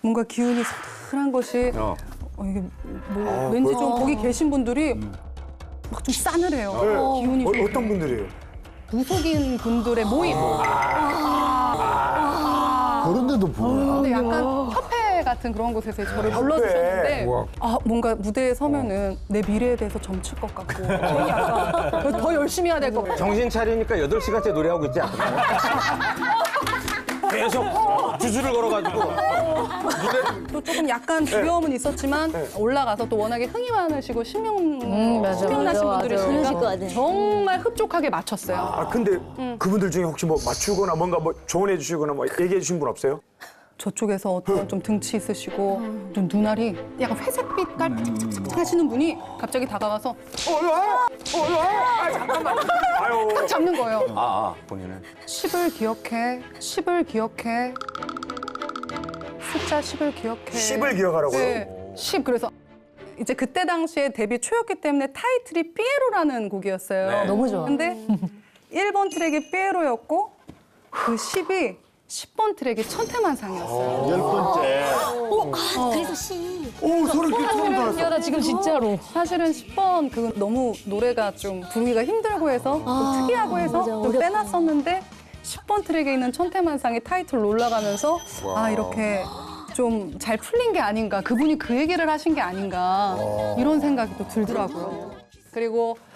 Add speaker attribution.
Speaker 1: 뭔가 기운이 서늘한 것이 이게 뭐 왠지 좀 거기 계신 분들이 막 좀 싸늘해요. 기운이 좀
Speaker 2: 어떤 분들이에요?
Speaker 1: 무속인 분들의 모임.
Speaker 3: 그런 데도 보여.
Speaker 1: 근데 약간 협회 같은 그런 곳에서 저를 불러주셨는데 뭔가 무대에 서면은 내 미래에 대해서 점칠 것 같고 괜히 약간 더 열심히 해야 될 것 같고
Speaker 4: 정신 차리니까 8시간째 노래하고 있지 않나? 계속 주술을 걸어가지고
Speaker 1: 또 조금 약간 두려움은 있었지만 올라가서 또 워낙에 흥이 많으시고 신명 나신
Speaker 5: 그러실 것
Speaker 1: 분들이시니까
Speaker 5: 같아.
Speaker 1: 정말 흡족하게 맞췄어요.
Speaker 2: 아 근데 그분들 중에 혹시 뭐 맞추거나 뭔가 뭐 조언해 주시거나 뭐 얘기해 주신 분 없어요?
Speaker 1: 저쪽에서 어떤 좀 등치 있으시고 좀 눈알이 약간 회색빛 깔짝짝짝 하시는 분이 갑자기 다가와서
Speaker 2: 잠깐만. 아유.
Speaker 1: 탁 잡는 거예요.
Speaker 4: 본인은
Speaker 1: 10을 기억해, 10을 기억해, 숫자 10을 기억해.
Speaker 2: 10을 기억하라고요?
Speaker 1: 네, 10. 그래서 이제 그때 당시에 데뷔 초였기 때문에 타이틀이 삐에로라는 곡이었어요.
Speaker 5: 너무 좋아.
Speaker 1: 근데 1번 트랙이 삐에로였고 그 10이 10번 트랙이 천태만상이었어요.
Speaker 3: 10번째.
Speaker 5: 그래서 씨.
Speaker 2: 오 소리 소름 돋았어.
Speaker 5: 야, 나 지금 진짜로.
Speaker 1: 사실은 10번 그 너무 노래가 좀 부르기가 힘들고 해서 좀 특이하고 해서
Speaker 5: 맞아,
Speaker 1: 좀
Speaker 5: 어렵다.
Speaker 1: 빼놨었는데 10번 트랙에 있는 천태만상이 타이틀로 올라가면서 이렇게 좀 잘 풀린 게 아닌가 그분이 그 얘기를 하신 게 아닌가 이런 생각이 또 들더라고요. 그리고